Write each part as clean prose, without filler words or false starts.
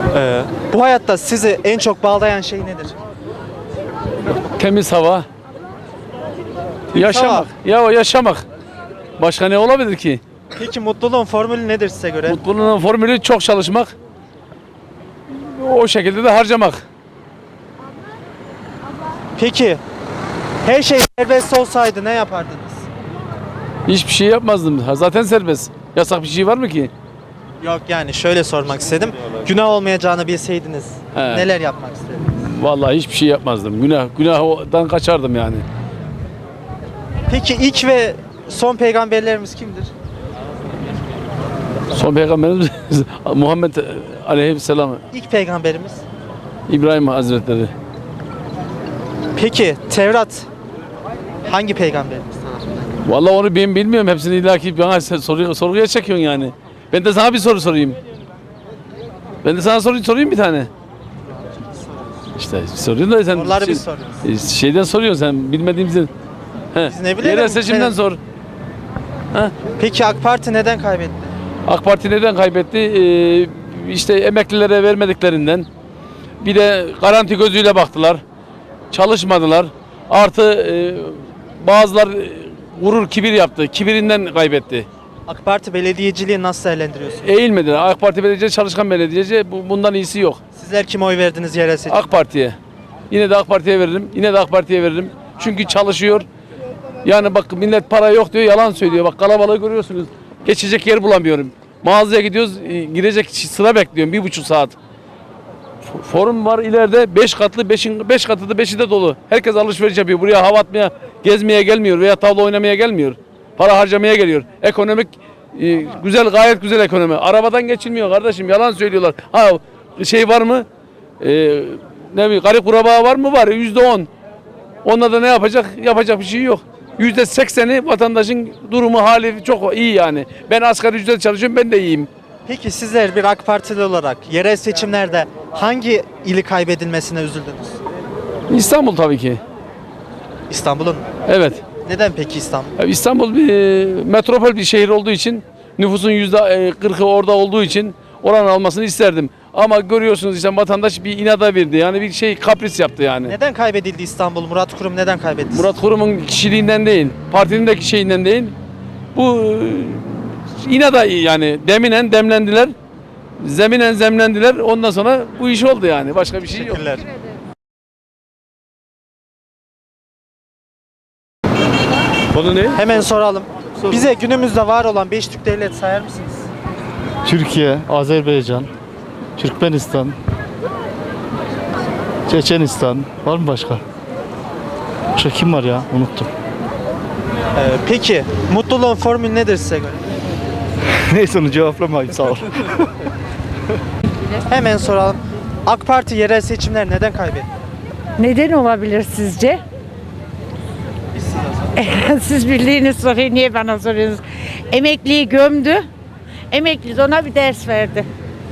Bu hayatta sizi en çok bağlayan şey nedir? Temiz hava. Yaşamak. Ya yaşamak. Başka ne olabilir ki? Peki mutluluğun formülü nedir size göre? Mutluluğun formülü çok çalışmak. O şekilde de harcamak. Peki her şey serbest olsaydı ne yapardınız? Hiçbir şey yapmazdım. Zaten serbest. Yasak bir şey var mı ki? Yok yani şöyle sormak istedim. Günah olmayacağını bilseydiniz He. neler yapmak isterdiniz? Vallahi hiçbir şey yapmazdım. Günahdan kaçardım yani. Peki ilk ve son peygamberlerimiz kimdir? Son peygamberimiz Muhammed Aleyhisselam, İlk peygamberimiz. İbrahim Hazretleri. Peki Tevrat hangi peygamberimiz tarafından? Vallahi onu ben bilmiyorum. Hepsini illaki bana sorguya çekiyorsun yani. Ben de sana bir soru sorayım. Ben de sana sorayım bir tane. İşte soruyorsun da sen Soruları biz soruyoruz. şeyden soruyorsun sen bilmediğimizden. Biz ne bilelim? Yerel seçimden sor. Peki AK Parti neden kaybetti? AK Parti neden kaybetti? İşte emeklilere vermediklerinden. Bir de garanti gözüyle baktılar. Çalışmadılar. Artı bazılar gurur, kibir yaptı. Kibirinden kaybetti. AK Parti belediyeciliği nasıl değerlendiriyorsunuz? Eğilmediler. AK Parti belediyeci, çalışkan belediyeci bundan iyisi yok. Sizler kime oy verdiniz yerel seçim? AK Parti'ye. Yine de AK Parti'ye veririm. Yine de AK Parti'ye veririm. Çünkü çalışıyor. Yani bak millet para yok diyor, yalan söylüyor. Bak kalabalığı görüyorsunuz. Geçecek yer bulamıyorum. Mağazaya gidiyoruz, girecek sıra bekliyorum 1,5 saat. Forum var ileride 5 katlı, 5 katı da 5'i de dolu. Herkes alışveriş yapıyor. Buraya hava atmaya, gezmeye gelmiyor veya tavla oynamaya gelmiyor. Para harcamaya geliyor. Ekonomik güzel, gayet güzel ekonomi. Arabadan geçilmiyor kardeşim. Yalan söylüyorlar. Ha şey var mı? Ne bileyim, garip kurbağa var mı? Var. %10. Onunla da ne yapacak? Yapacak bir şey yok. %80'i vatandaşın durumu, hali çok iyi yani. Ben asgari ücret çalışıyorum, ben de iyiyim. Peki sizler bir AK Partili olarak yerel seçimlerde hangi ili kaybedilmesine üzüldünüz? İstanbul tabii ki. İstanbul'un. Evet. Neden peki İstanbul? İstanbul bir metropol bir şehir olduğu için, nüfusun %40'ı orada olduğu için oranın almasını isterdim. Ama görüyorsunuz işte vatandaş bir inada verdi. Yani bir şey kapris yaptı yani. Neden kaybedildi İstanbul? Murat Kurum neden kaybetti? Murat Kurum'un kişiliğinden değil, partinin de şeyinden değil. Bu inada yani deminen demlendiler. Zeminen zemlendiler. Ondan sonra bu iş oldu yani. Başka bir şey yok. Teşekkürler. Konu ne? Hemen soralım. Bize günümüzde var olan 5 Türk devlet sayar mısınız? Türkiye, Azerbaycan, Türkmenistan, Çeçenistan, var mı başka? Başka kim var ya? Unuttum. Peki mutluluğun formülü nedir size göre? Neyse onu cevaplamayayım sağ ol. Hemen soralım. AK Parti yerel seçimler neden kaybetti? Neden olabilir sizce? Siz bildiğiniz soruyu niye bana soruyorsunuz? Emekliyi gömdü. Emekli de ona bir ders verdi.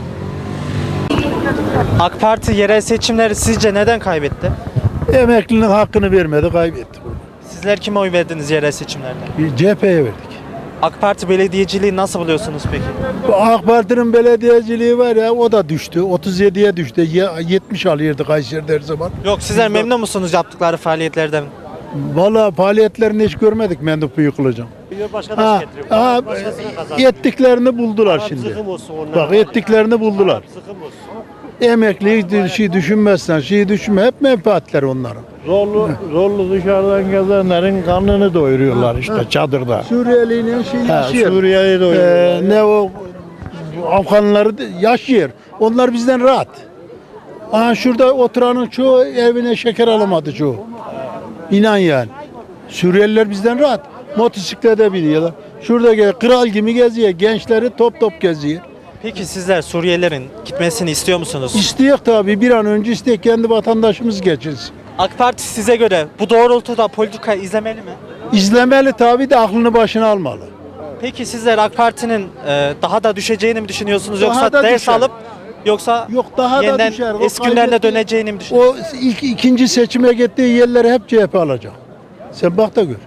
AK Parti yerel seçimleri sizce neden kaybetti? Emeklinin hakkını vermedi, kaybetti. Sizler kime oy verdiniz yerel seçimlerde? CHP'ye verdik. AK Parti belediyeciliği nasıl buluyorsunuz peki? Bu AK Parti'nin belediyeciliği var ya, o da düştü. 37'ye düştü. 70 alıyordu Kayseri'de her zaman. Yok sizler memnun musunuz yaptıkları faaliyetlerden? Vallahi faaliyetlerini hiç görmedik mendup yıkılacağım. Ha, ha, ettiklerini buldular şimdi. Bak ettiklerini buldular. Emekliyi şey düşünmezsen, şey düşünme. Hep menfaatler onların. Zorlu dışarıdan gezenlerin karnını doyuruyorlar işte çadırda. Suriyeli'nin şey yaşıyor. Suriye'yi doyuruyorlar. Ne o Afganları yaşıyor. Onlar bizden rahat. Aha şurada oturanın çoğu evine şeker alamadı çoğu. İnan yani. Suriyeliler bizden rahat. Motosiklete biniyorlar. Şurada kral gibi geziyor. Gençleri top top geziyor. Peki sizler Suriyelilerin gitmesini istiyor musunuz? İsteyek tabii, bir an önce isteyek, kendi vatandaşımız geçirsin. AK Parti size göre bu doğrultuda politika izlemeli mi? İzlemeli tabii de aklını başına almalı. Peki sizler AK Parti'nin daha da düşeceğini mi düşünüyorsunuz Daha yoksa da ders düşer. alıp yoksa Yok, daha da yeniden düşer. O eski günlerine kaybetti. döneceğini mi düşünüyorsunuz? O ikinci seçime gittiği yerleri hep CHP alacak. Sen bak da gör.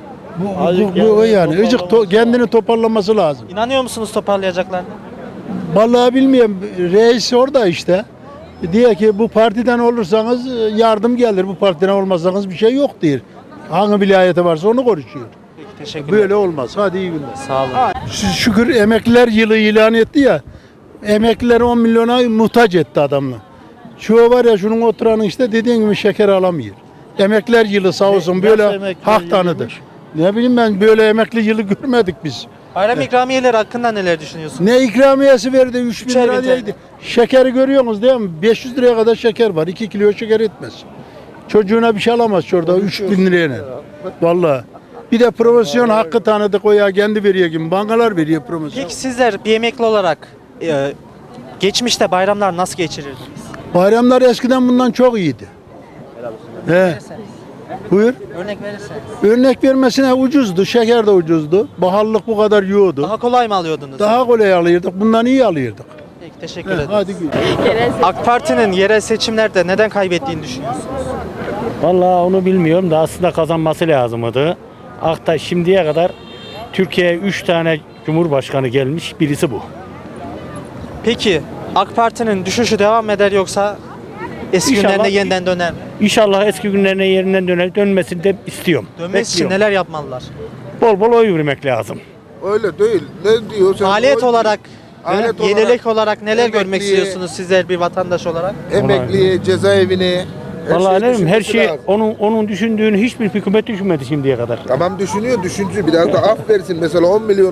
Bu yani kendini toparlaması lazım. İnanıyor musunuz toparlayacaklarına? Vallahi bilmiyorum. Reis orada işte. Diyor ki bu partiden olursanız yardım gelir. Bu partiden olmazsanız bir şey yok diyor. Hangi vilayete varsa onu konuşuyor. Peki, teşekkürler. Böyle olmaz. Hadi iyi günler. Sağ olun. Şükür emekliler yılı ilan etti ya. Emekliler 10 milyona muhtaç etti adamla. Şu var ya şunun oturanın işte dediğin gibi şeker alamıyor. Emekliler yılı sağ olsun böyle hak tanıdı. Ne bileyim ben böyle emekli yılı görmedik biz. Bayram ikramiyeleri hakkında neler düşünüyorsunuz? Ne ikramiyesi verdi 3 bin Üçer bin lira TL. diyeydi. Şekeri görüyorsunuz değil mi? 500 liraya kadar şeker var. 2 kilo şeker etmez. Çocuğuna bir şey alamaz şurada 3 bin liraya. Vallahi. Bir de promosyon hakkı tanıdık o ya kendi veriyor gibi. Bankalar veriyor promosyon. Peki sizler bir emekli olarak geçmişte bayramlar nasıl geçirirdiniz? Bayramlar eskiden bundan çok iyiydi. He. Buyur. Örnek verirseniz. Örnek vermesine ucuzdu. Şeker de ucuzdu. Baharlık bu kadar yoğdu. Daha kolay mı alıyordunuz? Daha kolay alıyorduk. Bundan iyi alıyorduk. Peki, teşekkür He, ederim. hadi gül. AK Parti'nin yerel seçimlerde neden kaybettiğini düşünüyorsunuz? Vallahi onu bilmiyorum da aslında kazanması lazımdı. Akta şimdiye kadar Türkiye'ye 3 tane cumhurbaşkanı gelmiş, birisi bu. Peki AK Parti'nin düşüşü devam eder yoksa eski İnşallah. günlerine yeniden döner mi? İnşallah eski günlerine yerinden dönmesini de istiyorum. Dönmesi için Bekliyorum. neler yapmalılar? Bol bol oy vermek lazım. Öyle değil. Ne diyor? Sen Maliyet oy- olarak, Alet yenilik olarak neler görmek emekliye- istiyorsunuz sizler bir vatandaş olarak? Emekliye, cezaevine. her Vallahi şeyi ne bileyim, her düşünmesi şey lazım. onun düşündüğünü hiçbir hükümet düşünmedi şimdiye kadar. Tamam düşünüyor, düşüncü. Biraz da af versin. Mesela 10 milyon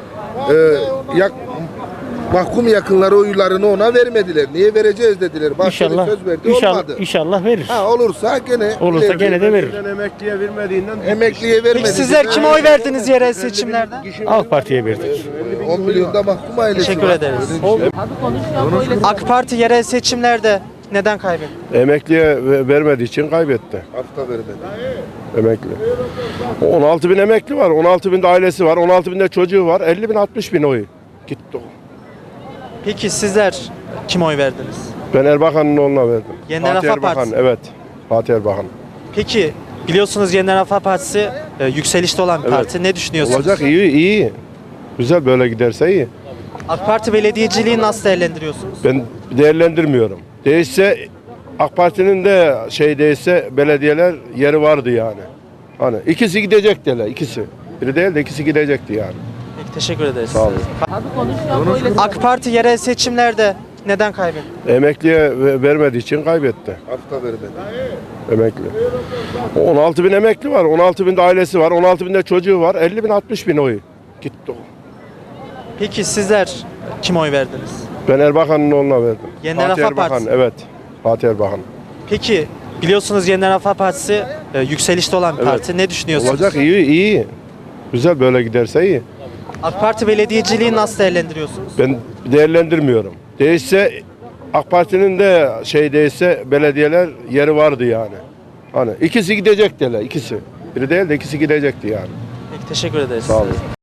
mahkum yakınları oylarını ona vermediler. Niye vereceğiz dediler. Bahçeli İnşallah, söz verdi, inşallah, olmadı. inşallah verir. Ha olursa gene Olursa gene de verir. emekliye vermedi. Peki sizler kime oy verdiniz yerel seçimlerde? AK Parti'ye verdik. 10 milyonda mahkum ailesi Teşekkür var. ederiz. AK Parti yerel seçimlerde neden kaybetti? Emekliye vermediği için kaybetti. Hafta vermedi. Emekli. 16 bin emekli var. 16 bin de ailesi var. 16 bin de çocuğu var. 50 bin 60 bin oy. Gitti o. Peki sizler kime oy verdiniz? Ben Erbakan'ın oğluna verdim. Yeniden Fatih Refah Erbakan. Partisi. Evet. Fatih Erbakan. Peki biliyorsunuz Yeniden Refah Partisi yükselişte olan bir Evet. parti. Ne düşünüyorsunuz? Olacak iyi. Güzel böyle giderse iyi. AK Parti belediyeciliği nasıl değerlendiriyorsunuz? Ben değerlendirmiyorum. Değişse AK Parti'nin de değişse belediyeler yeri vardı yani. Hani ikisi gidecekti hele ikisi. Biri değil de ikisi gidecekti yani. Peki, teşekkür ederiz. Sağ olun. AK Parti yerel seçimlerde neden kaybetti? Emekliye vermediği için kaybetti. Hafta vermedi. Emekli. 16 bin emekli var. 16 bin de ailesi var. 16 bin de çocuğu var. 50 bin 60 bin oy. Gitti o. Peki sizler kime oy verdiniz? Ben Erbakan'ın oğluna verdim. Yeniden Fatih Refah Erbakan. Partisi. Evet. Fatih Erbakan. Peki biliyorsunuz Yeniden Refah Partisi yükselişte olan bir Evet. parti. Ne düşünüyorsunuz? Olacak iyi. Güzel böyle giderse iyi. AK Parti belediyeciliği nasıl değerlendiriyorsunuz? Ben değerlendirmiyorum. Değişse AK Parti'nin de değişse belediyeler yeri vardı yani. Hani ikisi gidecekti hele ikisi. Biri değil de ikisi gidecekti yani. Peki, teşekkür ederiz. Sağ olun.